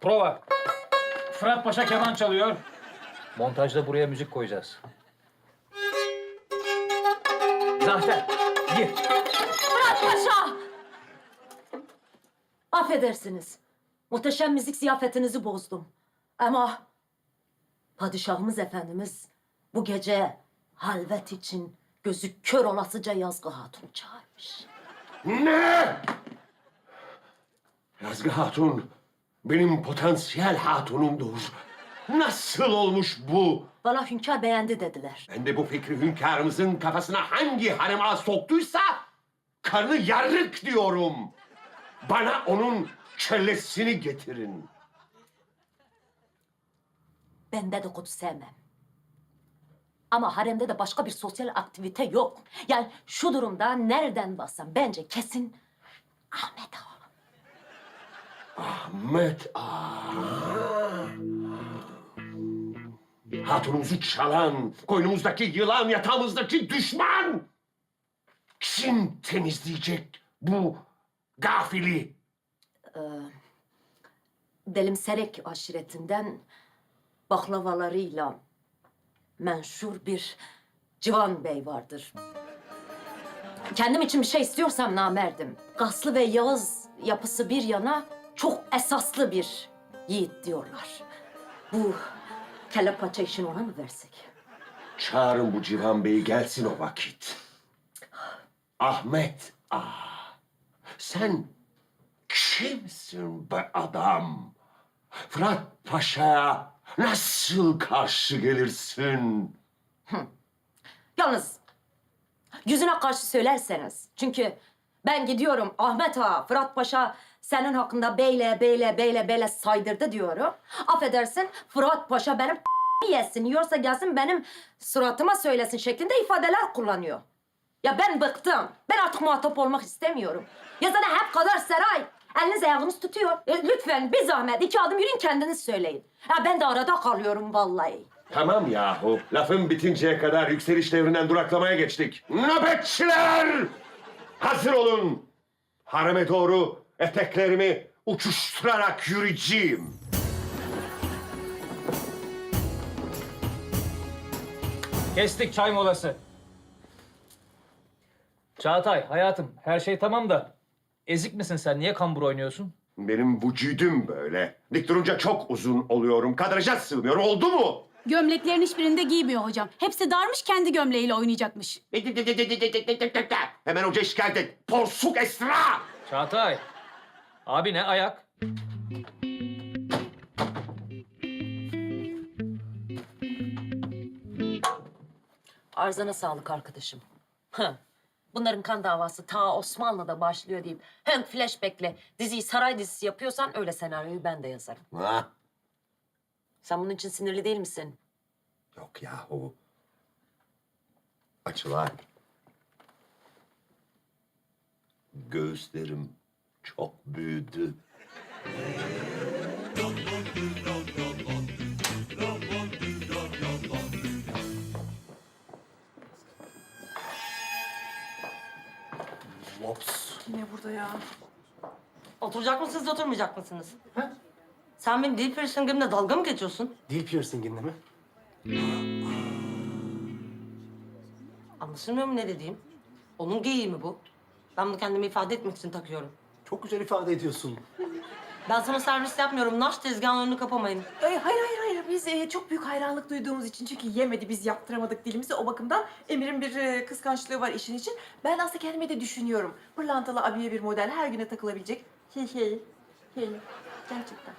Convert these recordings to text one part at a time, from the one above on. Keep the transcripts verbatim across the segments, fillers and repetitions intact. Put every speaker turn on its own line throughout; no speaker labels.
Prova. Fırat Paşa keman çalıyor. Montajda buraya müzik koyacağız. Zafer, gir.
Fırat Paşa! Affedersiniz. Muhteşem müzik ziyafetinizi bozdum. Ama padişahımız efendimiz bu gece halvet için gözü kör olasıca Yazgı Hatun'u çağırmış.
Ne? Yazgı Hatun benim potansiyel hatunumdur. Nasıl olmuş bu?
Bana hünkâr beğendi dediler.
Ben de bu fikri hünkârımızın kafasına hangi harem ağ soktuysa karnı yarık diyorum. Bana onun kellesini getirin.
Ben dedikodu sevmem. Ama haremde de başka bir sosyal aktivite yok. Yani şu durumda nereden baksam bence kesin Ahmet Ağa.
Ahmet Ağa. Hatunumuzu çalan, koynumuzdaki yılan, yatağımızdaki düşman. Kim temizleyecek bu gafili?
Delimserek aşiretinden baklavalarıyla menşur bir Civan Bey vardır. Kendim için bir şey istiyorsam namerdim. Gaslı ve Yağız yapısı bir yana çok esaslı bir yiğit diyorlar. Bu kelle paça işini ona mı versek?
Çağırın bu Civan Bey'i gelsin o vakit. Ahmet Ağa, sen kimsin be adam? Fırat Paşa'ya nasıl karşı gelirsin?
Yalnız yüzüne karşı söylerseniz. Çünkü ben gidiyorum Ahmet Ağa, Fırat Paşa senin hakkında beyle beyle beyle beyle saydırdı diyorum. Affedersin Fırat Paşa benim yesin, yiyorsa gelsin benim suratıma söylesin şeklinde ifadeler kullanıyor. Ya ben bıktım. Ben artık muhatap olmak istemiyorum. Ya zaten hep kadar saray. Eliniz ayağınız tutuyor. E, lütfen bir zahmet iki adım yürüyün kendiniz söyleyin. Ya ben de arada kalıyorum vallahi.
Tamam yahu, lafın bitinceye kadar yükseliş devrinden duraklamaya geçtik. Nöbetçiler! Hazır olun. Hareme doğru eteklerimi uçuşturarak yürüyeceğim.
Kestik çay molası. Çağatay, hayatım her şey tamam da ezik misin sen? Niye kambur oynuyorsun?
Benim vücudum böyle. Dik durunca çok uzun oluyorum. Kadraja sığmıyor. Oldu mu?
Gömleklerin hiçbirinde giymiyor hocam. Hepsi darmış, kendi gömleğiyle oynayacakmış.
Hemen hoca şikayet et. Porsuk Esra!
Çağatay, abi ne ayak?
Arzana sağlık arkadaşım. Heh. Bunların kan davası ta Osmanlı'da başlıyor deyip hem flashback'le diziyi saray dizisi yapıyorsan öyle senaryoyu ben de yazarım.
Ha?
Sen bunun için sinirli değil misin?
Yok yahu. Açılar. Göğüslerim çok büyüdü.
Yine burada ya.
Oturacak mısınız, oturmayacak mısınız? Ha? Sen benim dil piercingimle dalga mı geçiyorsun?
Dil piercinginde mi?
Anlaşılmıyor mu ne dediğim? Onun geyiği mi bu? Ben bunu kendimi ifade etmek için takıyorum.
Çok güzel ifade ediyorsun.
Ben sana servis yapmıyorum. Naş tezgahın önünü kapamayın.
Ay, hayır hayır hayır biz e, çok büyük hayranlık duyduğumuz için çünkü yemedi biz yaptıramadık dilimizi o bakımdan Emir'in bir e, kıskançlığı var işin için. Ben aslında kendime de düşünüyorum. Pırlantalı abiye bir model her güne takılabilecek. Hey hey hey gerçekten.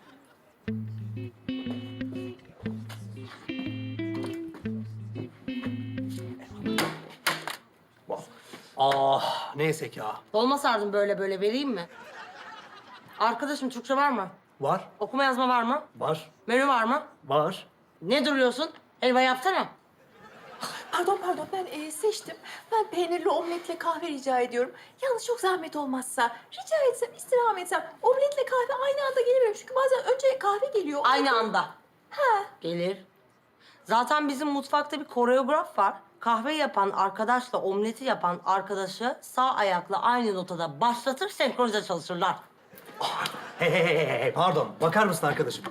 Ah neyse ki ah.
Dolma sardım böyle böyle vereyim mi? Arkadaşım Türkçe var mı?
Var,
Okuma yazma var mı?
var,
Menü var mı?
var.
Ne duruyorsun? Helva yapsana.
Pardon pardon ben e, seçtim. Ben peynirli omletle kahve rica ediyorum. Yalnız çok zahmet olmazsa rica etsem istirham etsem omletle kahve aynı anda gelemiyorum. Çünkü bazen önce kahve geliyor.
Aynı anda.
Ha.
Gelir. Zaten bizim mutfakta bir koreograf var. Kahve yapan arkadaşla omleti yapan arkadaşı sağ ayakla aynı notada başlatır, senkronize çalışırlar.
Hey hey hey hey, hey, pardon. Bakar mısın arkadaşım?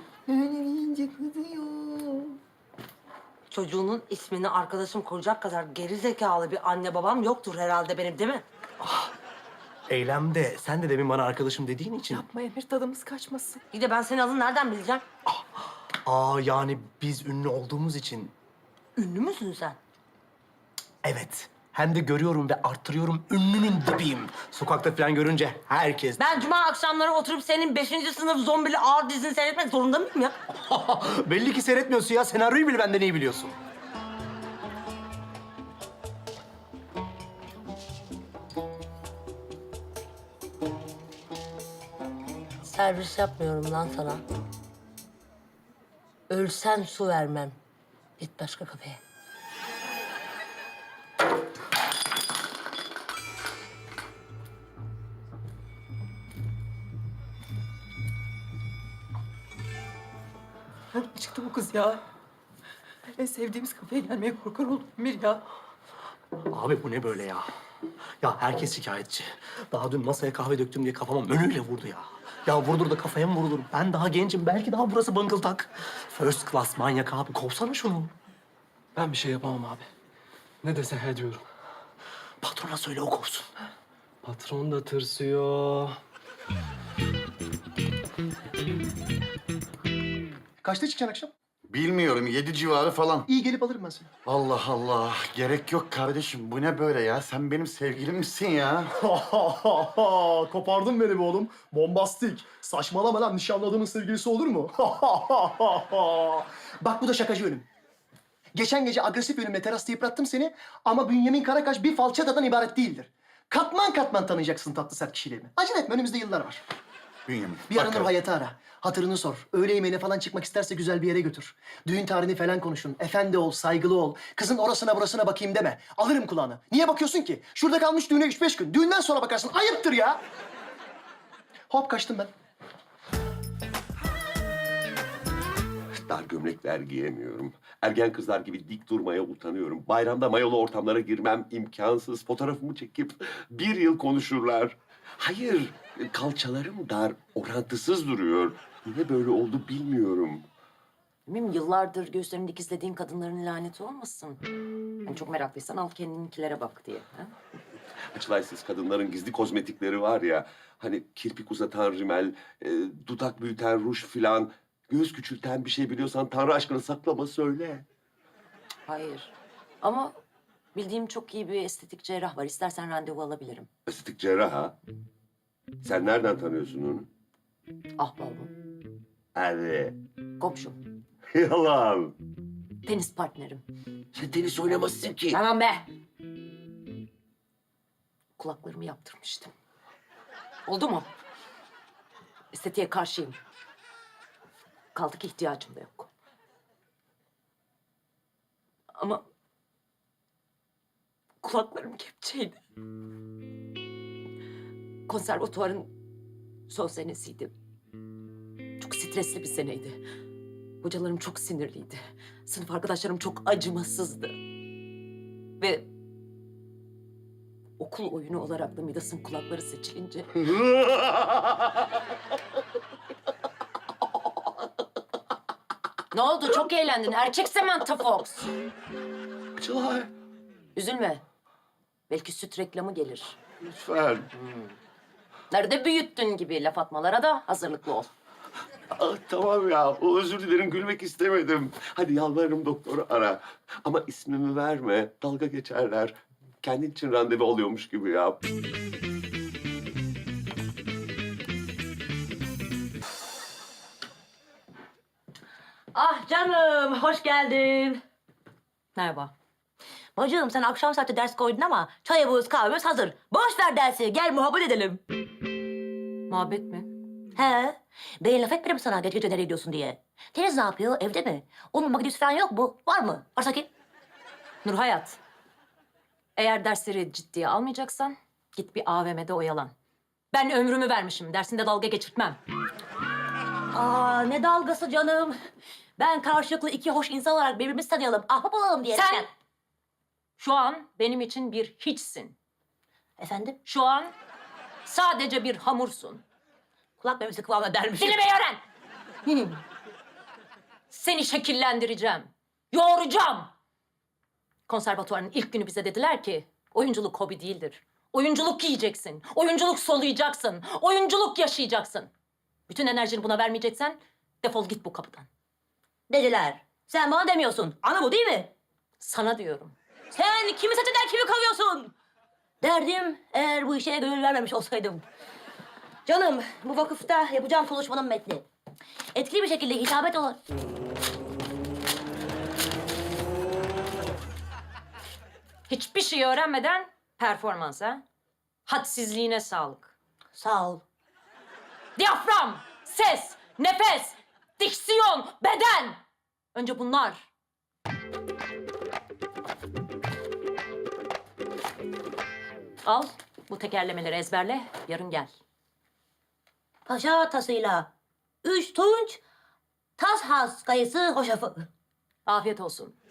Çocuğunun ismini arkadaşım koyacak kadar geri zekalı bir anne babam yoktur herhalde benim, değil mi?
Eylemde sen de demin bana arkadaşım dediğin için...
Yapma Emir, tadımız kaçmasın.
İyi de ben senin adını nereden bileceğim?
Aa yani biz ünlü olduğumuz için...
Ünlü müsün sen?
Evet. Hem de görüyorum ve arttırıyorum, ünlünün dibiyim. Sokakta falan görünce herkes...
Ben cuma akşamları oturup senin beşinci sınıf zombili ağır dizini seyretmek zorunda mıyım ya?
Belli ki seyretmiyorsun ya. Senaryoyu bile benden iyi biliyorsun.
Servis yapmıyorum lan sana. Ölsen su vermem. Git başka kafeye.
Nereden çıktı bu kız ya? En sevdiğimiz kafeye gelmeye korkar oldum Emir ya.
Abi bu ne böyle ya? Ya herkes şikayetçi. Daha dün masaya kahve döktüm diye kafama menüyle vurdu ya. Ya vurdur da kafaya mı vurulur? Ben daha gencim. Belki daha burası bıngıldak. First class manyak abi. Kovsana şunu.
Ben bir şey yapamam abi. Ne dese he diyorum.
Patrona söyle o kovsun.
Patron da tırsıyor.
Kaçta çıkacaksın akşam?
Bilmiyorum, yedi civarı falan.
İyi gelip alırım ben seni.
Allah Allah, gerek yok kardeşim. Bu ne böyle ya? Sen benim sevgilim misin ya?
Kopardın beni be oğlum. Bombastik. Saçmalama lan. Nişanladığımın sevgilisi olur mu?
Bak bu da şakacı ölüm. Geçen gece agresif ölümle terasta yıprattım seni ama Bünyamin Karakaş bir falçatadan ibaret değildir. Katman katman tanıyacaksın tatlı sert kişiliğimi. Acele etme, önümüzde yıllar var.
Bünyamin.
Bir ara
bakalım.
Nur Hayat'ı ara. Hatırını sor. Öğle yemeğine falan çıkmak isterse güzel bir yere götür. Düğün tarihini falan konuşun. Efendi ol, saygılı ol. Kızın orasına burasına bakayım deme. Alırım kulağını. Niye bakıyorsun ki? Şurada kalmış düğüne üç beş gün. Düğünden sonra bakarsın. Ayıptır ya. Hop kaçtım ben.
Dar gömlekler giyemiyorum. Ergen kızlar gibi dik durmaya utanıyorum. Bayramda mayolu ortamlara girmem imkansız. Fotoğrafımı çekip bir yıl konuşurlar. Hayır, kalçalarım dar, orantısız duruyor. Niye böyle oldu bilmiyorum.
Bilmiyorum, yıllardır göğüslerini dikizlediğin kadınların laneti olmasın. Yani çok meraklıysan al kendininkilere bak diye. Ha?
Açılaysız kadınların gizli kozmetikleri var ya. Hani kirpik uzatan rimel, e, dudak büyüten ruj filan. Göz küçülten bir şey biliyorsan Tanrı aşkına saklama söyle.
Hayır. Ama bildiğim çok iyi bir estetik cerrah var. İstersen randevu alabilirim.
Estetik cerrah ha. Sen nereden tanıyorsun onu?
Ahbabım,
Hadi.
komşum,
Yalan.
tenis partnerim.
Sen tenis oynamazsın ki.
Tamam be! Kulaklarımı yaptırmıştım. Oldu mu? Estetiğe karşıyım. Kaldı ki ihtiyacım da yok. Ama kulaklarım kepçeydi. Konservatuvarın son senesiydi. Çok stresli bir seneydi. Hocalarım çok sinirliydi. Sınıf arkadaşlarım çok acımasızdı. Ve okul oyunu olarak da Midas'ın kulakları seçilince... Ne oldu? Çok eğlendin. Erkek Samantha Fox.
Açılay.
Üzülme. Belki süt reklamı gelir.
Lütfen.
Nerede büyüttün gibi laf atmalara da hazırlıklı ol.
Ah, tamam ya. O özür dilerim. Gülmek istemedim. Hadi yalvarırım doktoru ara. Ama ismimi verme. Dalga geçerler. Kendin için randevu alıyormuş gibi yap.
Ah canım, hoş geldin.
Merhaba.
Bacım sen akşam saati ders koydun ama çayımız kahvemiz hazır. Boş ver dersi, gel muhabbet edelim.
Muhabbet mi?
He, ben laf etmedim sana gece gece nereye gidiyorsun diye. Deniz ne yapıyor, evde mi? Onun makinesi falan yok mu? Var mı? Varsa kim?
Nur Hayat. Eğer dersleri ciddiye almayacaksan git bir A V M'de oyalan. Ben ömrümü vermişim. Dersinde dalga geçirtmem.
Aa, ne dalgası canım. Ben karşılıklı iki hoş insan olarak birbirimizi tanıyalım, ahbap olalım diye.
Sen şu an benim için bir hiçsin.
Efendim?
Şu an sadece bir hamursun.
Kulak memesi kıvamına dermişim.
Dinlemeyi öğren. Hmm. Seni şekillendireceğim. Yoğuracağım. Konservatuvarın ilk günü bize dediler ki oyunculuk hobi değildir. Oyunculuk yiyeceksin. Oyunculuk soluyacaksın. Oyunculuk yaşayacaksın. Bütün enerjini buna vermeyeceksen defol git bu kapıdan.
Dediler. Sen bana demiyorsun. Ana bu değil mi?
Sana diyorum.
Sen kimi seçeden kimi kalıyorsun? Derdim eğer bu işe gönül vermemiş olsaydım. Canım bu vakıfta yapacağım konuşmanın metni. Etkili bir şekilde hitabet olan...
Hiçbir şey öğrenmeden performansa, hadsizliğine sağlık.
Sağ ol.
Diyafram, ses, nefes, diksiyon, beden. Önce bunlar. Al bu tekerlemeleri ezberle, yarın gel.
Paşa tasıyla. Üç tunç, tas has kayısı hoşafı.
Afiyet olsun.